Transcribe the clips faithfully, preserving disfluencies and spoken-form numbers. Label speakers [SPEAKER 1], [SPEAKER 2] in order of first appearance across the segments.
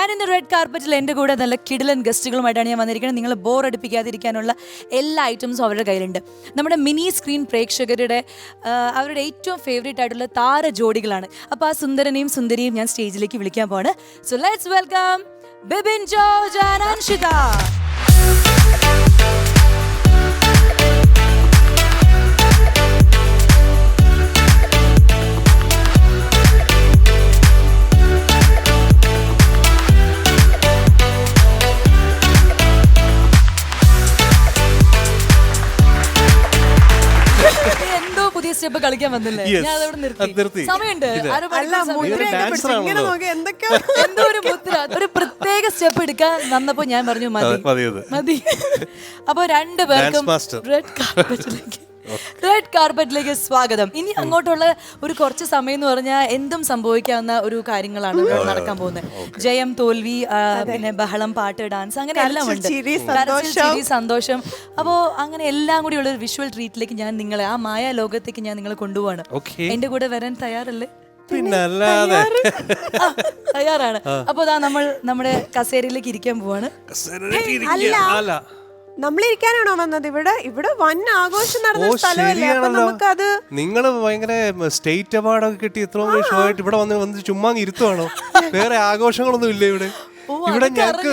[SPEAKER 1] ഇന്ന് റെഡ് കാർപ്പറ്റിൽ എൻ്റെ കൂടെ നല്ല കിടിലൻ ഗസ്റ്റുകളുമായിട്ടാണ് ഞാൻ വന്നിരിക്കുന്നത്. നിങ്ങൾ ബോർ അടിപ്പിക്കാതിരിക്കാനുള്ള എല്ലാ ഐറ്റംസും അവരുടെ കയ്യിലുണ്ട്. നമ്മുടെ മിനി സ്ക്രീൻ പ്രേക്ഷകരുടെ അവരുടെ ഏറ്റവും ഫേവറേറ്റ് ആയിട്ടുള്ള താര ജോഡികളാണ്. അപ്പോൾ ആ സുന്ദരനെയും സുന്ദരിയും ഞാൻ സ്റ്റേജിലേക്ക് വിളിക്കാൻ പോവാണ്. So let's welcome Bibin George and Anshitha. Step കളിക്കാൻ വന്നില്ലേ? ഞാൻ അതവിടെ നിർത്തി. സമയമുണ്ട്. എന്തോ ഒരു മുദ്ര, ഒരു പ്രത്യേക സ്റ്റെപ്പ് എടുക്കാൻ വന്നപ്പോ ഞാൻ പറഞ്ഞു മതി മതി. അപ്പൊ രണ്ടുപേർക്കും റെഡ് കാർപ്പറ്റിലേക്ക് റെഡ് കാർപ്പറ്റിലേക്ക് സ്വാഗതം. ഇനി അങ്ങോട്ടുള്ള ഒരു കുറച്ച് സമയം എന്ന് പറഞ്ഞാൽ എന്തും സംഭവിക്കാവുന്ന ഒരു കാര്യങ്ങളാണ് നടക്കാൻ പോകുന്നത്. ജയം, തോൽവി, പിന്നെ ബഹളം, പാട്ട്, ഡാൻസ്, അങ്ങനെ എല്ലാം ഉണ്ട്. സന്തോഷം. അപ്പോ അങ്ങനെ എല്ലാം കൂടി ഉള്ള ഒരു വിഷ്വൽ ട്രീറ്റിലേക്ക് ഞാൻ നിങ്ങളെ, ആ മായ ലോകത്തേക്ക് ഞാൻ നിങ്ങളെ കൊണ്ടുപോവാണ്. എന്റെ കൂടെ വരാൻ തയ്യാറല്ലേ? തയ്യാറാണ്. അപ്പൊ അതാ നമ്മൾ നമ്മുടെ കസേരയിലേക്ക് ഇരിക്കാൻ പോവാണ്.
[SPEAKER 2] നമ്മളിരിക്കാനാണോ വന്നത്? ഇവിടെ ഇവിടെ വൻ ആഘോഷം നടന്ന സ്ഥലമല്ലേ? അപ്പൊ നമുക്കത്
[SPEAKER 3] നിങ്ങള് ഭയങ്കര സ്റ്റേറ്റ് അവാർഡൊക്കെ കിട്ടി ഇത്രയും ഷോ ആയിട്ട് ഇവിടെ വന്ന് വന്ന് ചുമ്മാ ഇരുത്തുവാണോ? വേറെ ആഘോഷങ്ങളൊന്നും ഇല്ല ഇവിടെ. ഇവിടെ ഞങ്ങൾക്ക്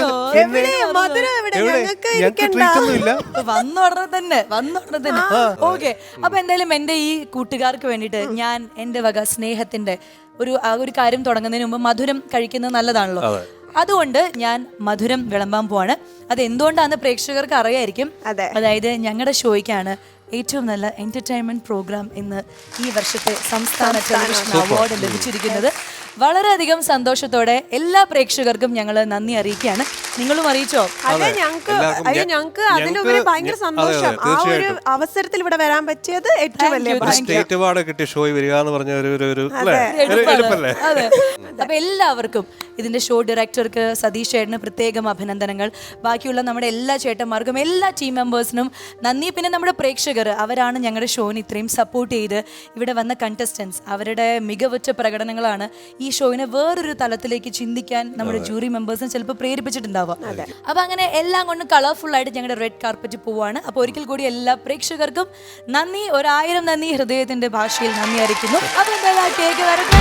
[SPEAKER 1] വന്നുടനെ തന്നെ വന്നുടനെ തന്നെ ഓക്കെ. അപ്പൊ എന്തായാലും എന്റെ ഈ കൂട്ടുകാർക്ക് വേണ്ടിയിട്ട് ഞാൻ എന്റെ വക സ്നേഹത്തിന്റെ ഒരു ഒരു കാര്യം തുടങ്ങുന്നതിന് മുമ്പ് മധുരം കഴിക്കുന്നത് നല്ലതാണല്ലോ. അതുകൊണ്ട് ഞാൻ മധുരം വിളമ്പാൻ പോവാണ്. അത് എന്തുകൊണ്ടാന്ന് പ്രേക്ഷകർക്ക് അറിയായിരിക്കും. അതായത് ഞങ്ങളുടെ ഷോയ്ക്കാണ് ഏറ്റവും നല്ല എന്റർടൈൻമെന്റ് പ്രോഗ്രാം ഇന്ന് ഈ വർഷത്തെ സംസ്ഥാന ടെലിവിഷൻ അവാർഡ് ലഭിച്ചിരിക്കുന്നത്. വളരെയധികം സന്തോഷത്തോടെ എല്ലാ പ്രേക്ഷകർക്കും ഞങ്ങൾ നന്ദി അറിയിക്കുകയാണ്. നിങ്ങളും അറിയിച്ചോ?
[SPEAKER 2] അതെ, ഞങ്ങൾക്ക് അയ്യോ ഞങ്ങൾക്ക് അതിലുപരി ഭയങ്കര സന്തോഷം. ആ ഒരു അവസരത്തിൽ ഇവിടെ വരാൻ പറ്റിയത് ഏറ്റവും വലിയ
[SPEAKER 3] സ്റ്റേറ്റ് അവാർഡ് കിട്ടിയ ഷോ വരിക എന്ന് പറഞ്ഞ ഒരു
[SPEAKER 1] അതെ. അപ്പൊ എല്ലാവർക്കും ഇതിന്റെ ഷോ ഡയറക്ടർക്ക് സതീഷ് ചേട്ടന് പ്രത്യേകം അഭിനന്ദനങ്ങൾ. ബാക്കിയുള്ള നമ്മുടെ എല്ലാ ചേട്ടന്മാർക്കും എല്ലാ ടീം മെമ്പേഴ്സിനും നന്ദി. പിന്നെ നമ്മുടെ പ്രേക്ഷകർ, അവരാണ് ഞങ്ങളുടെ ഷോന് ഇത്രയും സപ്പോർട്ട് ചെയ്ത് ഇവിടെ വന്ന കണ്ടസ്റ്റൻസ്. അവരുടെ മികവുറ്റ പ്രകടനങ്ങളാണ് ഈ ഷോയിനെ വേറൊരു തലത്തിലേക്ക് ചിന്തിക്കാൻ നമ്മുടെ ജൂറി മെമ്പേഴ്സിനെ ചിലപ്പോൾ പ്രേരിപ്പിച്ചിട്ടുണ്ടാവുക. അപ്പൊ അങ്ങനെ എല്ലാം കൊണ്ട് കളർഫുൾ ആയിട്ട് ഞങ്ങളുടെ റെഡ് കാർപ്പറ്റ് പോവാണ്. അപ്പൊ ഒരിക്കൽ കൂടി എല്ലാ പ്രേക്ഷകർക്കും നന്ദി, ഒരായിരം നന്ദി, ഹൃദയത്തിന്റെ ഭാഷയിൽ നന്ദി അറിയിക്കുന്നു. അപ്പൊ എന്തായാലും കേക്ക് വരട്ടെ.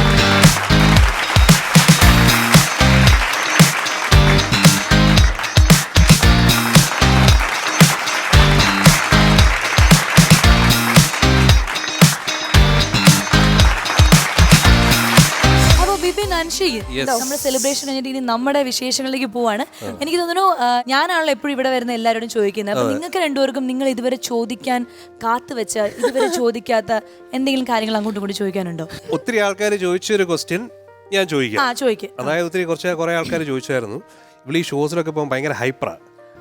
[SPEAKER 1] നമ്മുടെ സെലിബ്രേഷൻ കഴിഞ്ഞിട്ട് ഇനി നമ്മുടെ വിശേഷങ്ങളിലേക്ക് പോവാണ്. എനിക്ക് തോന്നുന്നു ഞാനാണല്ലോ എപ്പോഴും ഇവിടെ വരുന്ന എല്ലാവരോടും ചോദിക്കുന്നത്. അപ്പൊ നിങ്ങൾക്ക് രണ്ടുപേർക്കും നിങ്ങൾ ഇതുവരെ ചോദിക്കാൻ കാത്തുവെച്ച, ഇതുവരെ ചോദിക്കാത്ത എന്തെങ്കിലും കാര്യങ്ങൾ അങ്ങോട്ടും കൂടി ചോദിക്കാനുണ്ടോ?
[SPEAKER 3] ഒത്തിരി ആൾക്കാർ ചോദിച്ചൊരു ക്വസ്റ്റ്യൻ ഞാൻ ചോദിക്കാം.
[SPEAKER 1] ആ ചോദിക്കും.
[SPEAKER 3] അതായത് ഒത്തിരി കുറച്ച് കുറെ ആൾക്കാർ ചോദിച്ചായിരുന്നു, ഇവിടെ ഈ ഷോസിലൊക്കെ പോകുമ്പോൾ ഭയങ്കര ഹൈപ്പറാ,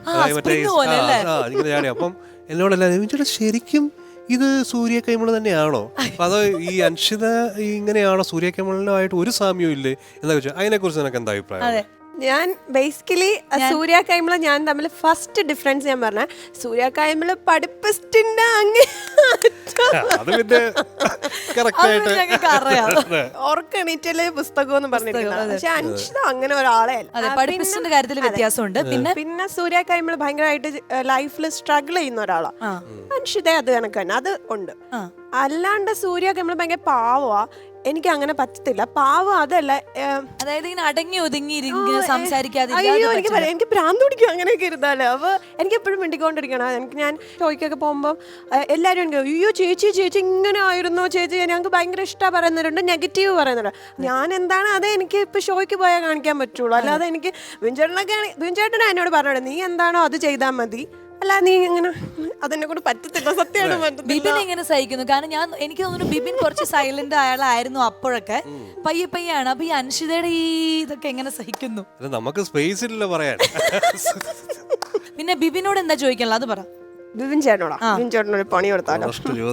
[SPEAKER 3] അപ്പം എന്നോടെല്ലാവരും ശരിക്കും ഇത് സൂര്യ കൈമള് തന്നെയാണോ, അതോ ഈ അൻഷിത ഇങ്ങനെയാണോ, സൂര്യ കൈമളുമായിട്ട് ഒരു സാമ്യവും ഇല്ലേ എന്നൊക്കെ ചോദിച്ചാൽ അതിനെ കുറിച്ച് നിനക്ക് എന്താ അഭിപ്രായം?
[SPEAKER 2] ഞാൻ ബേസിക്കലി സൂര്യ കൈമള ഞാൻ തമ്മിൽ ഫസ്റ്റ് ഡിഫറൻസ് ഞാൻ പറഞ്ഞ, സൂര്യ കൈമള പഠിപ്പിസ്റ്റിന്റെ അങ്ങേ ഓർക്കണീറ്റല് പുസ്തകം എന്ന് പറഞ്ഞിരിക്കുന്നത്. പക്ഷെ അൻഷിത അങ്ങനെ ഒരാളെ
[SPEAKER 1] പഠിപ്പിസ്റ്റിന്റെ കാര്യത്തിൽ വ്യത്യാസമുണ്ട്. പിന്നെ
[SPEAKER 2] പിന്നെ സൂര്യ കൈമള ഭയങ്കരമായിട്ട് ലൈഫിൽ സ്ട്രഗിൾ ചെയ്യുന്ന ഒരാളാണ്. അൻഷിത അത് കണക്ക് തന്നെ അത് ഉണ്ട്. അല്ലാണ്ട് സൂര്യ കൈമള ഭയങ്കര പാവമാ. എനിക്ക് അങ്ങനെ പറ്റത്തില്ല. പാവം അതല്ല,
[SPEAKER 1] അതായത് ഇങ്ങനെ അടങ്ങി ഒതുങ്ങി സംസാരിക്കാതെ
[SPEAKER 2] അയ്യോ എനിക്ക് എനിക്ക് ഭ്രാന്ത് പിടിക്കും അങ്ങനെയൊക്കെ ഇരുന്നാലോ. അപ്പൊ എനിക്ക് എപ്പോഴും മിണ്ടിക്കൊണ്ടിരിക്കണം. എനിക്ക് ഞാൻ ഷോയ്ക്കൊക്കെ പോകുമ്പോൾ എല്ലാവരും എനിക്ക് അയ്യോ ചേച്ചി ചേച്ചി ഇങ്ങനെ ആയിരുന്നോ ചേച്ചി, ഞങ്ങൾക്ക് ഭയങ്കര ഇഷ്ടമാണ് പറയുന്നവരുണ്ട്, നെഗറ്റീവ് പറയുന്നുണ്ട്. ഞാൻ എന്താണ് അതേ എനിക്ക് ഇപ്പൊ ഷോയ്ക്ക് പോയാൽ കാണിക്കാൻ പറ്റുള്ളൂ. അല്ലാതെ എനിക്ക് ബിൻചേട്ടനൊക്കെ ബിൻചേട്ടനാ എന്നോട് പറഞ്ഞോടെ നീ എന്താണോ അത് ചെയ്താൽ മതി, അല്ല നീ ഇങ്ങനെ അതെന്നെ കൊണ്ട് പറ്റത്തില്ല. സത്യമാണ്
[SPEAKER 1] ബിബിൻ എങ്ങനെ സഹിക്കുന്നു? കാരണം ഞാൻ എനിക്ക് തോന്നുന്നു ബിബിൻ കുറച്ച് സൈലന്റ് അയാളായിരുന്നു അപ്പോഴൊക്കെ, പയ്യെ പയ്യാണ്. അപ്പൊ ഈ അൻഷിതയുടെ ഈ ഇതൊക്കെ എങ്ങനെ സഹിക്കുന്നു?
[SPEAKER 3] നമുക്ക് സ്പേസ് ഇല്ല പറയാൻ.
[SPEAKER 1] പിന്നെ ബിബിനോട് എന്താ ചോദിക്കാനുള്ള അത് പറ.
[SPEAKER 2] ബിബിൻ ചേട്ടനോടാ? ബിബിൻ ചേട്ടനൊരു പണി കൊടുത്താലോ?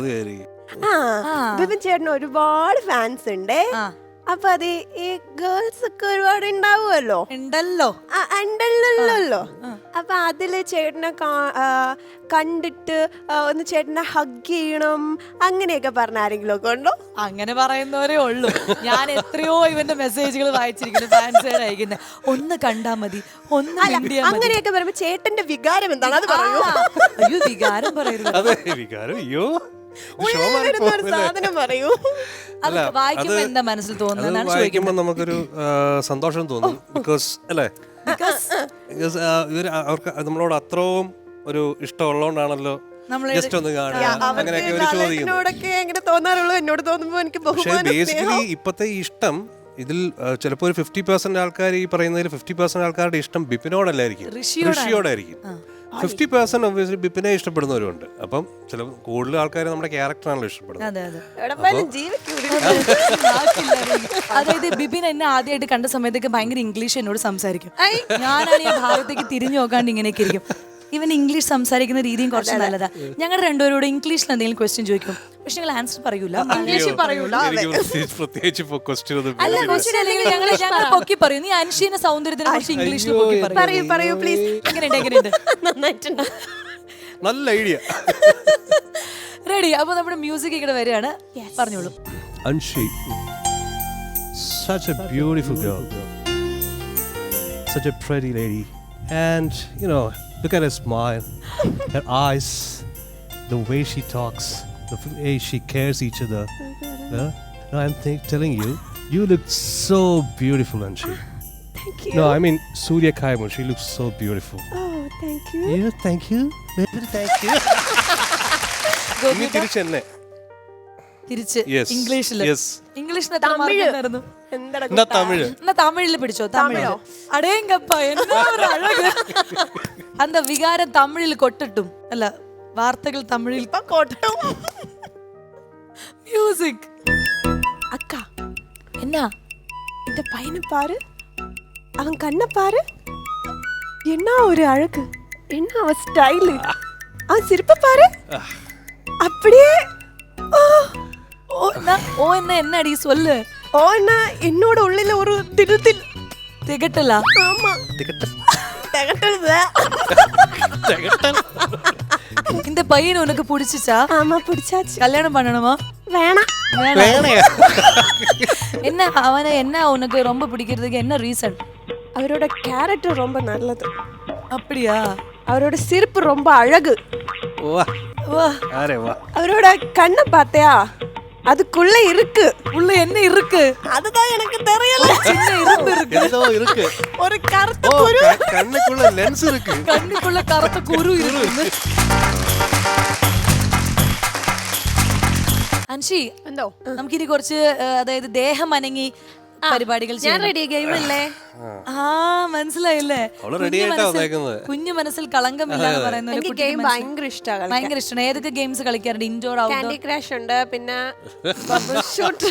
[SPEAKER 2] ആ ബിബിൻ ചേട്ടന് ഒരുപാട് ഫാൻസ് ഉണ്ട്. അപ്പൊ അത് ഈ ഗേൾസ് ഒക്കെ ഒരുപാട് ഉണ്ടാവുമല്ലോ.
[SPEAKER 1] ഉണ്ടല്ലോ
[SPEAKER 2] ഉണ്ടല്ലോ. അപ്പൊ അതില് ചേട്ടനെ കാ- ആ, കണ്ടിട്ട് ആ, ഒന്ന് ചേട്ടനെ ഹഗ് ചെയ്യണം അങ്ങനെയൊക്കെ പറഞ്ഞ ആരെങ്കിലും ഒക്കെ ഉണ്ടോ?
[SPEAKER 1] അങ്ങനെ പറയുന്നവരേ ഉള്ളൂ. ഞാൻ എത്രയോ ഇവന്റെ മെസ്സേജുകൾ വായിച്ചിരിക്കുന്നു, ഫാൻസുകാർ അയക്കുന്നത്. ഒന്ന് കണ്ടാ മതി, ഒന്ന് മിണ്ടിയാ മതി.
[SPEAKER 2] അങ്ങനെയൊക്കെ പറയുമ്പോ ചേട്ടന്റെ വികാരം എന്താണ് അത് പറയൂ.
[SPEAKER 1] ആ, അയ്യോ വികാരം പറയരുത്.
[SPEAKER 3] അതെ വികാരം അയ്യോ
[SPEAKER 2] ഉള്ളിൽ വരുന്ന ഒരു സാധനം പറയൂ.
[SPEAKER 1] അത് വായിക്കുമ്പോ എന്താ മനസ്സിൽ തോന്നുന്നത്
[SPEAKER 3] വായിക്കുമ്പോൾ നമുക്കൊരു ആ, സന്തോഷം തോന്നും. ബിക്കോസ് അല്ലേ ബിക്കോസ് ഇവർ അവർക്ക് നമ്മളോട് അത്രയും ഒരു ഇഷ്ടമുള്ളതുകൊണ്ടാണല്ലോ ജസ്റ്റ് ഒന്ന് കാണുക അങ്ങനെയൊക്കെ ഒരു ചോദിക്കുന്നു.
[SPEAKER 2] എന്നോടൊക്കെ എങ്ങനെ തോന്നാറുള്ളൂ, എന്നോട് തോന്നുമ്പോ എനിക്ക്
[SPEAKER 3] പക്ഷേ
[SPEAKER 2] ബഹുമാനം,
[SPEAKER 3] ബേസിക്കലി ഇപ്പോഴത്തെ ഈ ഇഷ്ടം ഇതിൽ ചിലപ്പോൾ ഒരു ഫിഫ്റ്റി പെർസെന്റ് ആൾക്കാർ ഈ പറയുന്നതിൽ ഫിഫ്റ്റി പെർസെന്റ് ആൾക്കാരുടെ ഇഷ്ടം ബിപിനോടല്ലായിരിക്കും, ഋഷിയോടായിരിക്കും. ഫിഫ്റ്റി പെർസെന്റ് ഒബ്വിയസ്ലി ബിപിനെ ഇഷ്ടപ്പെടുന്നവരുണ്ട്. അപ്പം ചില കൂടുതൽ ആൾക്കാർ നമ്മുടെ ക്യാരക്ടറാണല്ലോ ഇഷ്ടപ്പെടുന്നത്.
[SPEAKER 1] അതെ അതെ
[SPEAKER 2] എവിടെ പോയാലും ജീവിക്കൂടി.
[SPEAKER 1] അതായത് ബിബിൻ എന്നെ ആദ്യമായിട്ട് കണ്ട സമയത്തൊക്കെ ഭയങ്കര ഇംഗ്ലീഷ് എന്നോട് സംസാരിക്കും. ഞാനാണ് ഈ ഭാഗത്തേക്ക് തിരിഞ്ഞു നോക്കാണ്ട് ഇങ്ങനെയൊക്കെ ഇരിക്കും. ഇവൻ ഇംഗ്ലീഷ് സംസാരിക്കുന്ന രീതിയും കുറച്ച് നല്ലതാ. ഞങ്ങളുടെ രണ്ടുപേരോട് ഇംഗ്ലീഷിൽ എന്തെങ്കിലും ക്വസ്റ്റ്യൻ ചോദിക്കും, പക്ഷെ ഞങ്ങൾ ആൻസർ പറയൂല, ഇംഗ്ലീഷ് പറയൂല.
[SPEAKER 3] എനിക്ക് പ്രത്യേകിച്ച് പ്രത്യേകിച്ച് ഇപ്പൊ question ഒന്നും
[SPEAKER 1] അല്ല
[SPEAKER 3] വരുന്നില്ല.
[SPEAKER 1] ക്വസ്റ്റ്യൻ അല്ലെങ്കിൽ ഞങ്ങൾ ഞങ്ങൾ പൊക്കി പറയും. നീ അൻഷീന സൗന്ദര്യത്തിനെ കുറിച്ച് ഇംഗ്ലീഷിൽ പൊക്കി പറയും.
[SPEAKER 2] പറയൂ പറയൂ പ്ലീസ്.
[SPEAKER 1] എങ്ങനെയുണ്ട് എങ്ങനെയുണ്ട്
[SPEAKER 2] നന്നായിട്ടുണ്ട്.
[SPEAKER 3] നല്ല ഐഡിയ.
[SPEAKER 1] റെഡി. അപ്പൊ നമ്മുടെ മ്യൂസിക് ഇവിടെ വരികയാണ്, പറഞ്ഞോളൂ.
[SPEAKER 3] Anshi, such a beautiful girl, such a pretty lady, and you know, look at her smile, her eyes, the way she talks, the way she cares each other. Yeah? No, I'm th- telling you, you look so beautiful, Anshi.
[SPEAKER 2] Thank you.
[SPEAKER 3] No, I mean Surya Kaimu, she looks so beautiful.
[SPEAKER 2] Oh, thank you.
[SPEAKER 3] Yeah, thank you. Baby, thank you. ഇനി തിരിച്ചെന്നെ
[SPEAKER 1] തിരിച്ച്
[SPEAKER 3] Yes.
[SPEAKER 1] ഇംഗ്ലീഷില്
[SPEAKER 3] Yes.
[SPEAKER 1] ഇംഗ്ലീഷിൽ എത്ര mark ഉണ്ടായിരുന്നു?
[SPEAKER 2] എന്താണ്
[SPEAKER 3] എന്നാ തമിഴ്
[SPEAKER 1] എന്നാ തമിഴില് പിടിച്ചോ. തമിഴോ? അടേങ്കപ്പ എന്നാ ഒരു അഴക്. അന്ത വികാരം തമിഴിൽ കൊട്ടിട്ടും അല്ല, വാർത്തകൾ തമിഴിൽ
[SPEAKER 2] കൊട്ടും.
[SPEAKER 1] മ്യൂസിക്.
[SPEAKER 2] அக்கா
[SPEAKER 1] എന്നാ
[SPEAKER 2] இந்த பையனை பாரு, அவன் கண்ணை பாரு, என்ன ஒரு அழகு, என்ன அவன் ஸ்டைலு, அவன் சிரிப்பை பாரு, அப்படியே ஓ
[SPEAKER 1] ഓ എന്നാ ഓ എന്നാ എന്നടി சொல்லு.
[SPEAKER 2] ஓன்னா என்னோட உள்ளில ஒரு திருத்தில்
[SPEAKER 1] തികട്ടല.
[SPEAKER 2] ஆமா திகட்டல்
[SPEAKER 1] இந்த பையன் உனக்கு பிடிச்சிச்சா?
[SPEAKER 2] ஆமா பிடிச்சாச்சு.
[SPEAKER 1] கல்யாணம் பண்ணணுமா?
[SPEAKER 2] வேணாம்.
[SPEAKER 1] என்ன அவனை என்ன உனக்கு ரொம்ப பிடிக்கிறதுக்கு என்ன ரீசன்?
[SPEAKER 2] அவரோட கேரக்டர் ரொம்ப நல்லது.
[SPEAKER 1] அப்படியா?
[SPEAKER 2] அவரோட சிரிப்பு ரொம்ப அழகு.
[SPEAKER 3] വാ
[SPEAKER 1] வா.
[SPEAKER 3] ആരെ വാ
[SPEAKER 2] அவரோட கண்ணை பார்த்தியா, அதுக்குள்ள இருக்கு.
[SPEAKER 1] உள்ள என்ன இருக்கு?
[SPEAKER 2] அதுதான் எனக்கு தெரியல.
[SPEAKER 1] சின்ன இரும்பு இருக்கு.
[SPEAKER 3] എന്തോ ഇருக்கு.
[SPEAKER 2] ஒரு கருத்த
[SPEAKER 3] ഓ
[SPEAKER 2] குரு.
[SPEAKER 3] ക- കണ്ണിക്കുള്ള ലെൻസ് ഇருக்கு.
[SPEAKER 1] കണ്ണിക്കുള്ള കറുത്ത കുരു ഇருக்கு. അൻഷി,
[SPEAKER 2] എന്തോ
[SPEAKER 1] നമുക്കിനി കുറച്ച് ആ, അതായത് ദേഹം അനങ്ങി പരിപാടികൾ
[SPEAKER 2] ഞാൻ
[SPEAKER 1] ചെയ്യണം.
[SPEAKER 2] റെഡി ഗെയിം അല്ലേ?
[SPEAKER 1] ആ മനസ്സിലായില്ലേ?
[SPEAKER 3] അവള് ready
[SPEAKER 1] കുഞ്ഞു
[SPEAKER 3] ആയിട്ടാ
[SPEAKER 1] മനസ്സിൽ-
[SPEAKER 3] വന്നേക്കുന്നത്.
[SPEAKER 1] കുഞ്ഞു മനസ്സിൽ കളങ്കമില്ല എന്ന് പറയുന്ന ഒരു
[SPEAKER 2] എനിക്ക്
[SPEAKER 1] കുട്ടിക്ക്
[SPEAKER 2] ഗെയിം
[SPEAKER 1] മനസ്സിൽ-
[SPEAKER 2] ഭയങ്കര ഇഷ്ടമാണ്.
[SPEAKER 1] ഭയങ്കര ഇഷ്ടമാണ്. ഏതൊക്കെ ഗെയിംസ് കളിക്കാറുണ്ട്? Indoor outdoor?
[SPEAKER 2] കാൻഡി ക്രാഷ് ഉണ്ട്, പിന്നെ ബബിൾ ഷൂട്ട്,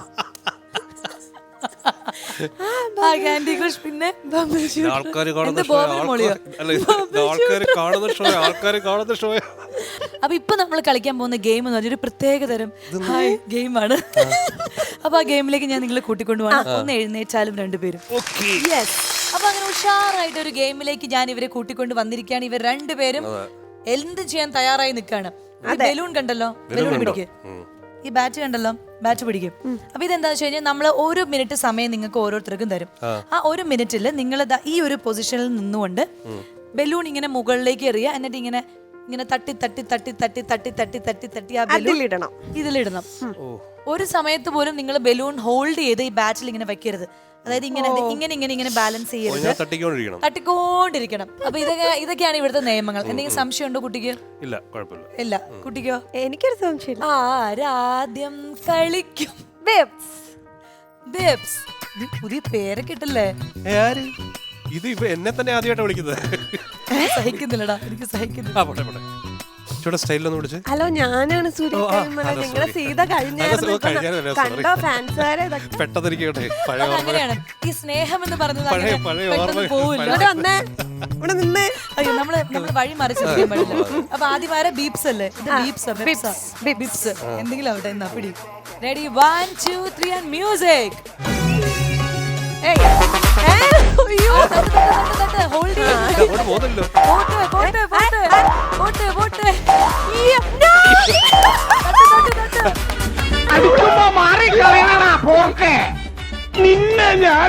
[SPEAKER 1] ആ കാൻഡി ക്രഷ്, പിന്നെ
[SPEAKER 3] ആൾക്കാർ
[SPEAKER 1] എന്ത്
[SPEAKER 3] കാണുന്ന ഷോ
[SPEAKER 1] ബോബൻ മോളിയോ?
[SPEAKER 3] ആൾക്കാർ കാണുന്ന ഷോ ആൾക്കാർ കാണുന്ന ഷോ
[SPEAKER 1] അപ്പൊ ഇപ്പൊ നമ്മൾ കളിക്കാൻ പോകുന്ന ഗെയിം എന്ന് പറഞ്ഞൊരു പ്രത്യേക തരം ഹായ് ഗെയിമാണ്. അപ്പൊ ആ ഗെയിമിലേക്ക് ഞാൻ നിങ്ങളെ കൂട്ടിക്കൊണ്ടുപോകണം. ഒന്ന് എഴുന്നേച്ചാലും രണ്ടുപേരും. യെസ്. അപ്പൊ അങ്ങനെ ഉഷാറായിട്ട് ഒരു ഗെയിമിലേക്ക് ഞാൻ ഇവരെ കൂട്ടിക്കൊണ്ട് വന്നിരിക്കുകയാണ്. ഇവർ രണ്ടുപേരും എന്ത് ചെയ്യാൻ തയ്യാറായി നിൽക്കുകയാണ്. ബലൂൺ കണ്ടല്ലോ, ബലൂൺ പിടിക്ക്. ഈ ബാറ്റ് കണ്ടല്ലോ, ബാറ്റ് പിടിക്കും. അപ്പൊ ഇതെന്താ വെച്ച് കഴിഞ്ഞാൽ നമ്മൾ ഒരു മിനിറ്റ് സമയം നിങ്ങൾക്ക് ഓരോരുത്തർക്കും തരും. ആ ഒരു മിനിറ്റിൽ നിങ്ങൾ ഈ ഒരു പൊസിഷനിൽ നിന്നുകൊണ്ട് ബലൂൺ ഇങ്ങനെ മുകളിലേക്ക് എറിയുക. എന്നിട്ട് ഇങ്ങനെ ഇങ്ങനെ തട്ടി തട്ടി തട്ടി തട്ടി തട്ടി തട്ടി തട്ടി തട്ടി ആ ബലൂൺ
[SPEAKER 2] ഇടണം.
[SPEAKER 1] ഇതിലിടണം. ഒരു സമയത്ത് പോലും നിങ്ങൾ ബലൂൺ ഹോൾഡ് ചെയ്ത് ഈ ബാറ്റിൽ ഇങ്ങനെ വെക്കരുത്. അതായത് ഇങ്ങനെ ഇങ്ങനെ ഇങ്ങനെ ഇങ്ങനെ ബാലൻസ് ചെയ്യരുത്,
[SPEAKER 3] തട്ടിക്കൊണ്ടിരിക്കണം.
[SPEAKER 1] തട്ടിക്കൊണ്ടിരിക്കണം. അപ്പൊ ഇതൊക്കെ ഇതൊക്കെയാണ് ഇവിടുത്തെ നിയമങ്ങൾ. എന്തെങ്കിലും സംശയം ഉണ്ടോ കുട്ടിക്ക്?
[SPEAKER 3] ഇല്ല, കുഴപ്പമില്ല.
[SPEAKER 1] ഇല്ല. കുട്ടിക്കോ?
[SPEAKER 2] എനിക്കൊരു സംശയം.
[SPEAKER 1] ആരാദ്യം കളിക്കും?
[SPEAKER 2] ബേബ്സ്.
[SPEAKER 1] ബേബ്സ്. ഇത് പുതിയ പേരൊക്കെ ഇട്ടല്ലേ?
[SPEAKER 3] ഏ, ആര്? ഇത് ഇപ്പൊ എന്നെ തന്നെ ആദ്യമായിട്ടാണ് വിളിക്കുന്നത്.
[SPEAKER 1] സഹിക്കുന്നില്ലടാ, എനിക്ക് സഹിക്കുന്നില്ല.
[SPEAKER 3] ആ പോട്ടെ പോട്ടെ ചൂടെ സ്റ്റൈലൊന്നും വിളിച്ച്.
[SPEAKER 2] ഹലോ, ഞാനാണ് സൂര്യ. നിങ്ങളെ സീത കഴിഞ്ഞായിരുന്നു. കണ്ടോ ഫാൻസുകാരെ? ഇതൊക്കെ
[SPEAKER 3] പെട്ടെന്നിരിക്കട്ടെ പഴയ
[SPEAKER 1] അത്
[SPEAKER 3] ഓർമ്മ.
[SPEAKER 1] അങ്ങനെയാണ്. ഈ സ്നേഹം എന്ന് പറയുന്നത്
[SPEAKER 3] പഴയ-
[SPEAKER 1] അങ്ങനെ
[SPEAKER 3] പഴയ
[SPEAKER 1] പെട്ടെന്ന്
[SPEAKER 3] ഓർമ്മ-
[SPEAKER 1] പോവില്ല.
[SPEAKER 2] ഇവിടെ വന്നേ, ഇവിടെ നിന്നേ.
[SPEAKER 1] അയ്യോ, നമ്മള് നമ്മള് വഴി മറിച്ചിരിക്കാൻ പാടില്ല. അപ്പൊ ആദ്യം ആരെ ബീപ്സ് അല്ലേ? ഇത് ബീപ്സ് ബീപ്സ് എന്തെങ്കിലും ആവട്ടെ. എന്നാ പിടി. Ready, one two three and music.
[SPEAKER 2] ഏയ്, ഏ, അയ്യോ.
[SPEAKER 1] ഹോൾഡ്
[SPEAKER 3] അങ്ങോട്ട് പോകുന്നല്ലോ.
[SPEAKER 1] ഓ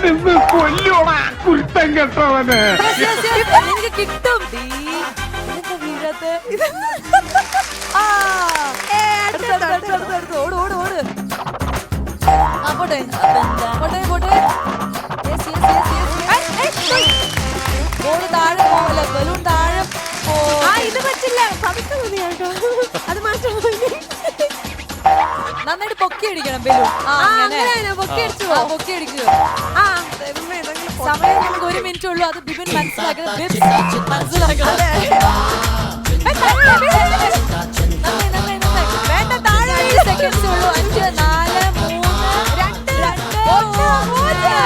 [SPEAKER 4] ഇന്ന് കൊല്ലോടാ കുരുത്തം കെട്ടവന്.
[SPEAKER 1] Yes, yes, yes. എനിക്ക് കിട്ടും ഡീ. ഇതെന്താ വീഴാത്തെ? ആ. അടുത്ത്, അടുത്ത്, അടുത്ത്, അടുത്ത്, അടുത്ത്. ഓട് ഓട് ഓട് ആ പോട്ടെ പോട്ടെ പോട്ടെ Yes, yes, yes, yes. ഓട് താഴെ പോവല്ല ബലൂൺ താഴെ പോ.
[SPEAKER 2] ആ ഇത് പറ്റില്ല പതുക്കെ മതി കേട്ടോ അത് മാറ്റം
[SPEAKER 1] നന്നായിട്ട് പൊക്കി അടിക്കണം ബലൂൺ. ആ അങ്ങനെ
[SPEAKER 2] അങ്ങനെയാണോ? പൊക്കി അടിച്ചു
[SPEAKER 1] ആ, പൊക്കി അടിക്കുക.
[SPEAKER 2] ആ ദൈവമേ, ഇതെങ്ങനെ പൊ-
[SPEAKER 1] സമയം നമുക്ക് ഒരു മിനിറ്റ് ഉള്ളൂ. അത് ബിബിൻ മനസ്സിലാക്കണം. ബിബ് മനസ്സിലാക്കണം. നന്നായി, നന്നായി, നന്നായി. വേണ്ട താഴെ അഞ്ച് സെക്കൻഡ്സ് ഉള്ളൂ. അഞ്ച് നാല് മൂന്ന് രണ്ട് രണ്ട് ഒന്ന് പൂജ്യം.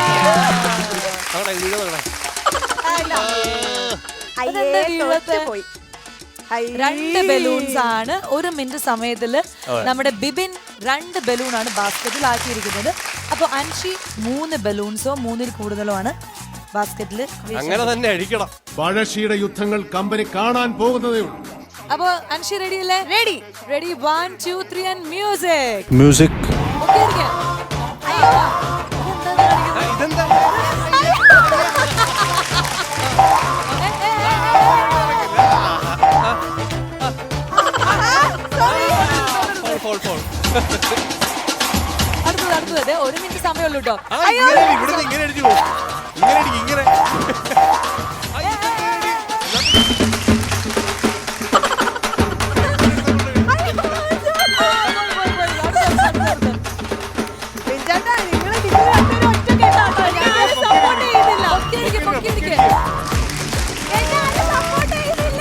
[SPEAKER 2] അയ്യേ,
[SPEAKER 1] അതെന്താ വീഴത്തെ?
[SPEAKER 2] തോറ്റ് പോയി. അയ്യേ.
[SPEAKER 1] രണ്ട് ബലൂൺസ് ആണ് ഒരു മിനിറ്റ് സമയത്തില് നമ്മുടെ ബിബിൻ രണ്ട് ബലൂൺ ആണ് ബാസ്കറ്റിൽ ആക്കിയിരിക്കുന്നത്. അപ്പൊ അൻഷി മൂന്ന് ബലൂൺസോ മൂന്നിൽ കൂടുതലോ ആണ് ബാസ്കറ്റിൽ.
[SPEAKER 3] അങ്ങനെ തന്നെ അടിക്കണം.
[SPEAKER 5] പഴശ്ശിയുടെ യുദ്ധങ്ങൾ കമ്പനി കാണാൻ പോകുന്നതേ ഉള്ളൂ.
[SPEAKER 1] അപ്പൊ അൻഷി റെഡി അല്ലേ? Ready ready one two three and music.
[SPEAKER 3] Music.
[SPEAKER 1] Okay ഇരിക്കാം. അയ്യോ
[SPEAKER 3] ഇതെന്താ? Fall fall.
[SPEAKER 1] അടുത്തത് അടുത്തത് ഒരു മിനിറ്റ് സമയമുള്ളൂ കേട്ടോ.
[SPEAKER 3] ഇവിടുന്ന് ഇങ്ങനെ അടിച്ചു പോകും. ഇങ്ങനെ അടിക്കും ഇങ്ങനെ.
[SPEAKER 2] ബിഞ്ചേട്ടാ, നിങ്ങള് നിങ്ങൾ രണ്ടുപേരും ഒറ്റക്കെട്ടാട്ടോ. ഞാനാരും support ചെയ്യുന്നില്ല.
[SPEAKER 1] പൊക്കി അടിക്ക്, പൊക്കി അടിക്ക്.
[SPEAKER 2] എന്നെ ആരും support ചെയ്യുന്നില്ല.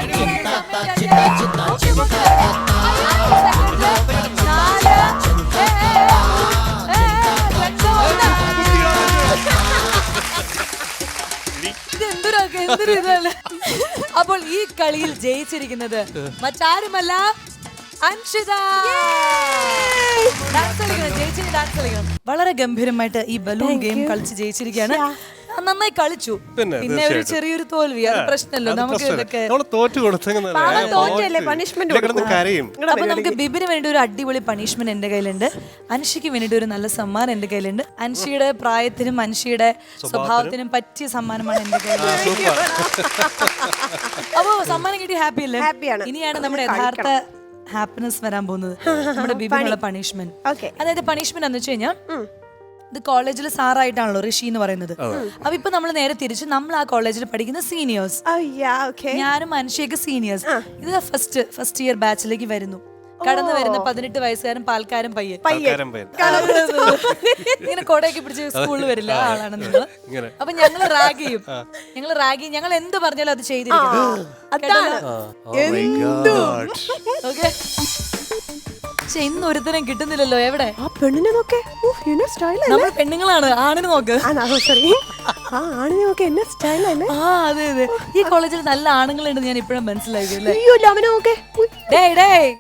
[SPEAKER 1] അപ്പോൾ ഈ കളിയിൽ ജയിച്ചിരിക്കുന്നത് മറ്റാരുമല്ല അൻഷിത. ഡാൻസ് കളിക്കണം, ജയിച്ചിന് ഡാൻസ് കളിക്കണം. വളരെ ഗംഭീരമായിട്ട് ഈ ബലൂൺ ഗെയിം കളിച്ച് ജയിച്ചിരിക്കുകയാണ്. നന്നായി കളിച്ചു.
[SPEAKER 3] പിന്നെ,
[SPEAKER 1] പിന്നെ ഒരു ചെറിയൊരു തോൽവി, അത് പ്രശ്നമല്ലോ. നമുക്ക് ഇതൊക്കെ
[SPEAKER 3] തോറ്റു കൊടുത്തെങ്കിൽ
[SPEAKER 2] പാവം തോറ്റല്ലേ, punishment കൊടുക്കും.
[SPEAKER 3] കരയും.
[SPEAKER 1] അപ്പൊ നമുക്ക് ബിബിന് വേണ്ടി ഒരു അടിപൊളി പണിഷ്മെന്റ് എന്റെ കയ്യിലുണ്ട്. അൻഷിക്ക് വേണ്ടിട്ട് ഒരു നല്ല സമ്മാനം എന്റെ കയ്യിലുണ്ട്. അൻഷിയുടെ പ്രായത്തിനും അൻഷിയുടെ സ്വഭാവത്തിനും പറ്റിയ സമ്മാനമാണ് എന്റെ കയ്യിൽ. അപ്പൊ സമ്മാനം കിട്ടി ഹാപ്പി അല്ലേ?
[SPEAKER 2] ഹാപ്പിയാണ്.
[SPEAKER 1] ഇനിയാണ് നമ്മുടെ യഥാർത്ഥ ഹാപ്പിനെസ് വരാൻ പോകുന്നത്, നമ്മുടെ ബിബിനുള്ള പണിഷ്മെന്റ്.
[SPEAKER 2] Okay.
[SPEAKER 1] അതായത് പണിഷ്മെന്റ് എന്ന് വെച്ച് കഴിഞ്ഞാൽ ഇത് കോളേജിൽ സാറായിട്ടാണല്ലോ ഋഷി എന്ന് പറയുന്നത്. അപ്പൊ ഇപ്പൊ നമ്മൾ നേരെ തിരിച്ച് നമ്മൾ ആ കോളേജിൽ പഠിക്കുന്ന സീനിയേഴ്സ്,
[SPEAKER 2] അയ്യാ, okay.
[SPEAKER 1] ഞാനും അനുഷയൊക്കെ സീനിയേഴ്സ്. ഇത് ഫസ്റ്റ് ഫസ്റ്റ് ഇയർ ബാച്ചിലേക്ക് വരുന്നു. കടന്നു വരുന്ന പതിനെട്ട് വയസ്സുകാരൻ പാൽക്കാരൻ പയ്യൻ
[SPEAKER 3] ആൾക്കാരും പേര്.
[SPEAKER 1] ഇങ്ങനെ കൊടയൊക്കെ പിടിച്ച് സ്കൂളിൽ വരില്ല ആ ആളാണ് നിങ്ങൾ. അപ്പൊ ഞങ്ങള് റാഗ് ചെയ്യും, ഞങ്ങള് റാഗ് ചെയ്യും. ഞങ്ങൾ എന്ത് പറഞ്ഞാലും അത് ചെയ്തിരിക്കും.
[SPEAKER 3] Oh my God.
[SPEAKER 1] ഓക്കെ, പക്ഷെ ഇന്ന് ഒരുത്തരം കിട്ടുന്നില്ലല്ലോ. എവിടെ
[SPEAKER 2] ആ പെണ്ണിനെ നോക്കേ, എന്നെ സ്റ്റൈൽ
[SPEAKER 1] നമ്മൾ പെണ്ണുങ്ങളാണ്, ആണിന് നോക്ക്.
[SPEAKER 2] സോറി, ആ ആണിനെ നോക്കേ, എന്നെ സ്റ്റൈൽ അല്ലേ.
[SPEAKER 1] ആ അതെ അതെ, ഈ കോളേജിൽ നല്ല ആണുങ്ങളുണ്ട്, ഞാൻ ഇപ്പഴും മനസ്സിലാക്കി അല്ലേ.
[SPEAKER 2] അയ്യോ, അവനെ നോക്കേ.
[SPEAKER 1] ഡേയ് ഡേയ്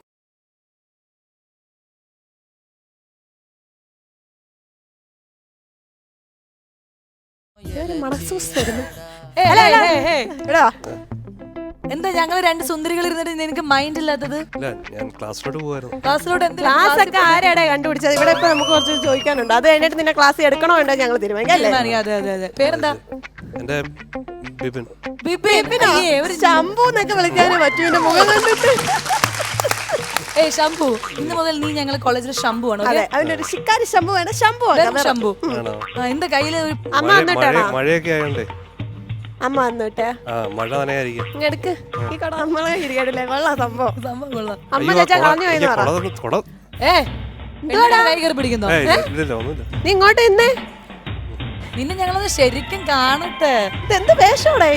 [SPEAKER 1] എന്താ ഞങ്ങള് രണ്ട് സുന്ദരികൾ ഇരുന്നിട്ട് നിനക്ക് മൈൻഡ് ഇല്ലാത്തത്?
[SPEAKER 3] ഇല്ല, ഞാൻ ക്ലാസ്സിലോട്ട് പോവായിരുന്നു.
[SPEAKER 1] ക്ലാസ്സിലോട്ട്
[SPEAKER 2] ക്ലാസ് ഒക്കെ ആരാടെ കണ്ടുപിടിച്ചത്? ഇവിടെ ഇപ്പൊ നമുക്ക് കുറച്ച് ചോദിക്കാനുണ്ട്. അത് കഴിഞ്ഞിട്ട് നിന്നെ ക്ലാസ് എടുക്കണോ വേണ്ടോ ഞങ്ങൾ തീരുമാനിക്കാം അല്ലേ?
[SPEAKER 1] അതെ അതെ അതെ. പേരെന്താ?
[SPEAKER 3] എന്റെ ബിപിൻ.
[SPEAKER 1] ബിപിൻ. അയ്യേ, ഒരു
[SPEAKER 2] ശംഭു എന്നൊക്കെ വിളിക്കാനേ പറ്റൂ എന്റെ മുഖം കണ്ടിട്ട്.
[SPEAKER 1] ഏയ് ശംഭു, ഇന്ന് മുതൽ നീ ഞങ്ങൾ കോളേജിൽ ശംഭു ആണ്.
[SPEAKER 2] അതെ, അവന്റെ ഒരു ശിക്കാരി ശംഭു വേണം. ശംഭു
[SPEAKER 1] ശംഭു.
[SPEAKER 3] ആണോ?
[SPEAKER 1] ആ, എന്റെ കയ്യില് ഒരു
[SPEAKER 2] അമ്മ
[SPEAKER 3] മഴ-
[SPEAKER 2] വന്നിട്ടാണോ?
[SPEAKER 3] മഴ- മഴയൊക്കെ ആയോണ്ടേ
[SPEAKER 2] അമ്മ വന്നിട്ടേ
[SPEAKER 3] ആ മഴ നനയായിരിക്കും.
[SPEAKER 2] ഇങ്ങെടുക്ക് ഈ കട നമ്മളെ ഇരിക്കട്ടില്ലേ, വെള്ള സംഭവം.
[SPEAKER 1] സംഭവം കൊള്ളാം.
[SPEAKER 2] അമ്മ
[SPEAKER 3] അയ്യോ,
[SPEAKER 2] ചേച്ചാ
[SPEAKER 3] കൊട-
[SPEAKER 2] കളഞ്ഞു പോയെന്ന്
[SPEAKER 3] എനിക്ക്
[SPEAKER 2] പറ.
[SPEAKER 3] കൊട തന്നു, കൊട.
[SPEAKER 1] ഏ പെണ്ണിനെ കൈ കയറി പിടിക്കുന്നോ?
[SPEAKER 3] ഏയ്, ഇല്ലില്ല, ഒന്നുമില്ല.
[SPEAKER 2] നീ ഇങ്ങോട്ട് ഇന്നേ,
[SPEAKER 1] നിന്നെ ഞങ്ങളത് ശരിക്കും കാണട്ടെ.
[SPEAKER 2] ഇതെന്ത് വേഷോടെ?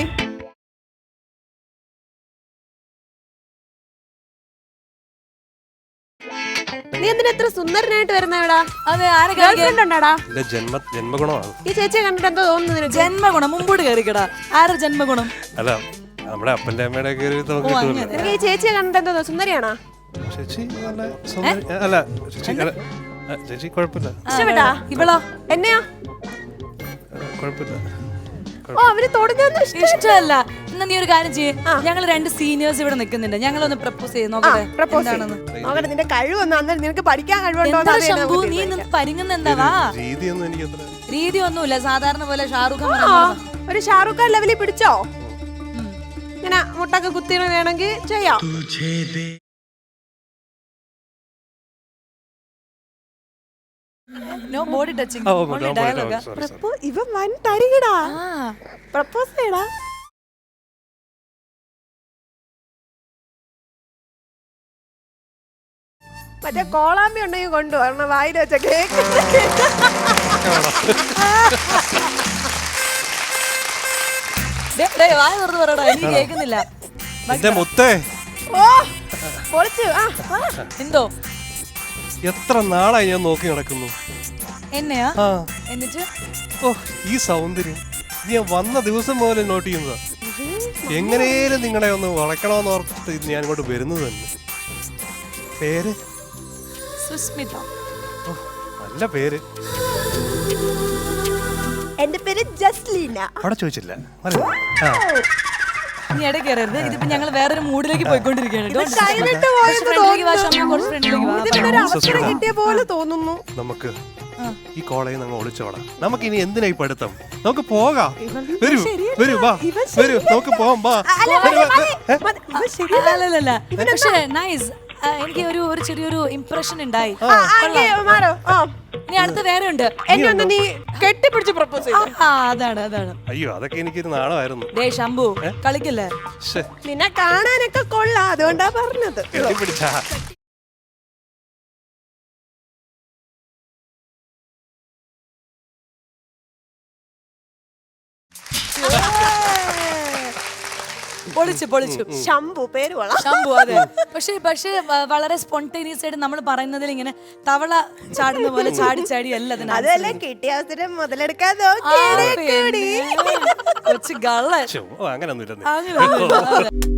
[SPEAKER 2] നീ എന്തിനാ എത്ര സുന്ദരനായിട്ട് വരുന്ന ഇവിടെ?
[SPEAKER 1] അതെ, ആരെ
[SPEAKER 2] ഗേൾഫ്രണ്ട് ഉണ്ടാടാ?
[SPEAKER 3] എന്റെ ജന്മ ജന്മഗുണമാണ്.
[SPEAKER 2] ഈ ചേച്ചിയെ കണ്ടിട്ട് എന്തോ തോന്നുന്നു നിനക്ക്?
[SPEAKER 1] ജന്മഗുണം മുമ്പോട്ട് കയറിക്കടാ. ആരുടെ ജന്മഗുണം?
[SPEAKER 3] അല്ല, നമ്മുടെ അപ്പന്റെ അമ്മയുടെ ഒക്കെ ഒരു ഇത് നമുക്ക്
[SPEAKER 1] ഓ,
[SPEAKER 3] കിട്ടുമല്ലോ.
[SPEAKER 1] അങ്ങനെ.
[SPEAKER 2] നിനക്ക് ഈ ചേച്ചിയെ കണ്ടിട്ട് എന്തോ തോന്നുന്നു? സുന്ദരിയാണോ?
[SPEAKER 3] ചേച്ചി നല്ല സുന്ദരി- അല്ല ചേച്ചി അല്ല, ആ, ചേച്ചി കുഴപ്പമില്ല.
[SPEAKER 2] ഇഷ്ടപ്പെട്ടാ?
[SPEAKER 1] ഇവളോ?
[SPEAKER 2] എന്നെയാ?
[SPEAKER 3] കുഴപ്പമില്ല.
[SPEAKER 2] ഓ അവര് തൊടുന്ന
[SPEAKER 1] ഇഷ്ടമല്ല. എന്നാ നീ ഒരു കാര്യം ചെയ്യേ, ഞങ്ങൾ രണ്ട് സീനിയേഴ്സ് ഇവിടെ നിൽക്കുന്നുണ്ട്, ഞങ്ങളൊന്ന് പ്രപ്പോസ് ചെയ്ത് നോക്കട്ടെ
[SPEAKER 2] പ്രപ്പോസ്
[SPEAKER 1] എന്താണെന്ന്.
[SPEAKER 2] നോക്കട്ടെ നിന്റെ കഴിവൊന്നും അന്നേരം നിനക്ക് പഠിക്കാൻ കഴിവുണ്ടോ
[SPEAKER 1] എന്താ ശംഭു നീ നിന്ന് പരിങ്ങുന്ന എന്താ? വാ,
[SPEAKER 3] രീതിയൊന്നും എനിക്ക് അത്ര
[SPEAKER 1] രീതി ഒന്നുമില്ല, സാധാരണ പോലെ ഷാറുഖ് ഖാൻ
[SPEAKER 2] ആ,
[SPEAKER 1] പറയുന്നത്.
[SPEAKER 2] ഒരു ഷാറുഖ് ഖാൻ ലെവലിൽ പിടിച്ചോ? ഇങ്ങനെ മുട്ടൊക്കെ കുത്തി വേണമെങ്കിൽ ചെയ്യാം.
[SPEAKER 1] നോ ബോഡി ടച്ചിങ്,
[SPEAKER 3] ഓ,
[SPEAKER 1] only
[SPEAKER 3] no body
[SPEAKER 1] dialogue.
[SPEAKER 3] talk, sorry, sorry.
[SPEAKER 2] പ്രപ്പോ- ഇവൻ വൻ തരികടാ.
[SPEAKER 1] ആ,
[SPEAKER 2] പ്രപ്പോസ് ചെയ്യടാ. മറ്റേ കോളാമ്പി ഉണ്ടെങ്കിൽ കൊണ്ടുവരണം വായിൽ വെച്ച കേക്ക്.
[SPEAKER 1] ദേ, ദേ, വായ തുറന്ന് പറയടാ, എനിക്ക് കേൾക്കുന്നില്ല.
[SPEAKER 3] എന്റെ മുത്തേ,
[SPEAKER 2] ഓ പൊളിച്ചു. ആ ആ.
[SPEAKER 1] എന്തോ
[SPEAKER 3] എത്ര നാളായി ഞാൻ നോക്കി നടക്കുന്നു.
[SPEAKER 1] എന്നെയാ?
[SPEAKER 3] ആ
[SPEAKER 1] എന്നിട്ട്
[SPEAKER 3] ഓ ഈ സൗന്ദര്യം ഇത് ഞാൻ വന്ന ദിവസം മുതൽ നോട്ട് ചെയ്യുന്നതാ. എങ്ങനെയും നിങ്ങളെ ഒന്ന് വളയ്ക്കണമെന്ന് ഓർത്തിട്ട് ഇത് ഞാൻ ഇങ്ങോട്ട് വരുന്നത് തന്നെ. പേര്
[SPEAKER 1] സുസ്മിത.
[SPEAKER 3] ഓ, നല്ല പേര്.
[SPEAKER 2] എന്റെ പേര് ജസ്ലീന.
[SPEAKER 3] അവിടെ ചോദിച്ചില്ല. അറിയോ? ആ
[SPEAKER 1] നീ ഇട കയറരുത്, ഇതിപ്പോ ഞങ്ങൾ വേറൊരു മൂഡിലേക്ക് പോയിക്കൊണ്ടിരിക്കുകയാണ്. Don't disturb.
[SPEAKER 2] കൈവിട്ട്
[SPEAKER 1] കുറച്ച്
[SPEAKER 2] പോയെന്ന്
[SPEAKER 1] ഫ്രണ്ടിലേക്ക് വാ,
[SPEAKER 2] തോന്നുന്നു.
[SPEAKER 1] ശംഭു, കുറച്ച് ഫ്രണ്ടിലേക്ക് വാ.
[SPEAKER 2] ഇതിനൊരു അവസരം കിട്ടിയ പോലെ തോന്നുന്നു.
[SPEAKER 3] നമുക്ക് ഈ കോളേജിൽ നിന്ന് ഒളിച്ചോടാം. നമുക്ക് ഇനി എന്തിനാ ഈ പഠിത്തം? നമുക്ക് പോകാം. വരൂ വരൂ വാ വരൂ നമുക്ക് പോവാം വാ.
[SPEAKER 2] അല്ല,
[SPEAKER 3] വരൂ,
[SPEAKER 2] മതി,
[SPEAKER 3] വാ.
[SPEAKER 2] മതി,
[SPEAKER 3] ഏ?
[SPEAKER 2] മതി. ഇവൻ ശരിയല്ല.
[SPEAKER 1] അല്ലല്ല, പക്ഷേ നൈസ്. എനിക്ക് ഒരു ഒരു ചെറിയൊരു ഇംപ്രഷൻ ഉണ്ടായി.
[SPEAKER 2] ആ, ആങ്കി മാറോ. ആ.
[SPEAKER 1] ഇനി അടുത്ത് വേറെ ഉണ്ട്.
[SPEAKER 2] എന്നെ ഒന്ന് നീ കെട്ടിപ്പിടിച്ച് പ്രപ്പോസ് ചെയ്തു.
[SPEAKER 1] ആ, അതാണ് അതാണ്.
[SPEAKER 3] അയ്യോ അതൊക്കെ എനിക്കൊരു നാളമായിരുന്നു.
[SPEAKER 1] ഡേ ശംഭു, കളിക്കല്ലേ?
[SPEAKER 3] ശ്ശെ,
[SPEAKER 2] നിന്നെ കാണാനൊക്കെ കൊള്ളാം, അതുകൊണ്ടാ പറഞ്ഞത്.
[SPEAKER 3] കെട്ടിപ്പിടിച്ചാ.
[SPEAKER 1] പൊളിച്ചു പൊളിച്ചു.
[SPEAKER 2] ശംഭു പേര് കൊള്ളാം.
[SPEAKER 1] ശംഭു, അതെ. പക്ഷേ പക്ഷേ വ- വളരെ സ്പോണ്ടേനിയസ് ആയിട്ട് നമ്മൾ പറയുന്നതിൽ ഇങ്ങനെ തവള ചാടുന്ന പോലെ ചാടി ചാടി അല്ല അതിന്
[SPEAKER 2] അതല്ലേ കിട്ടിയ അവസരം മുതലെടുക്കാൻ
[SPEAKER 1] ആ,
[SPEAKER 2] നോക്കിയേ കൂടി.
[SPEAKER 1] പിന്നെ. കൊച്ചു ഗള്ളൻ.
[SPEAKER 3] ശ്ശോ, ഓ, അങ്ങനൊന്നും ഇല്ലെന്നേ.
[SPEAKER 1] അങ്ങനെ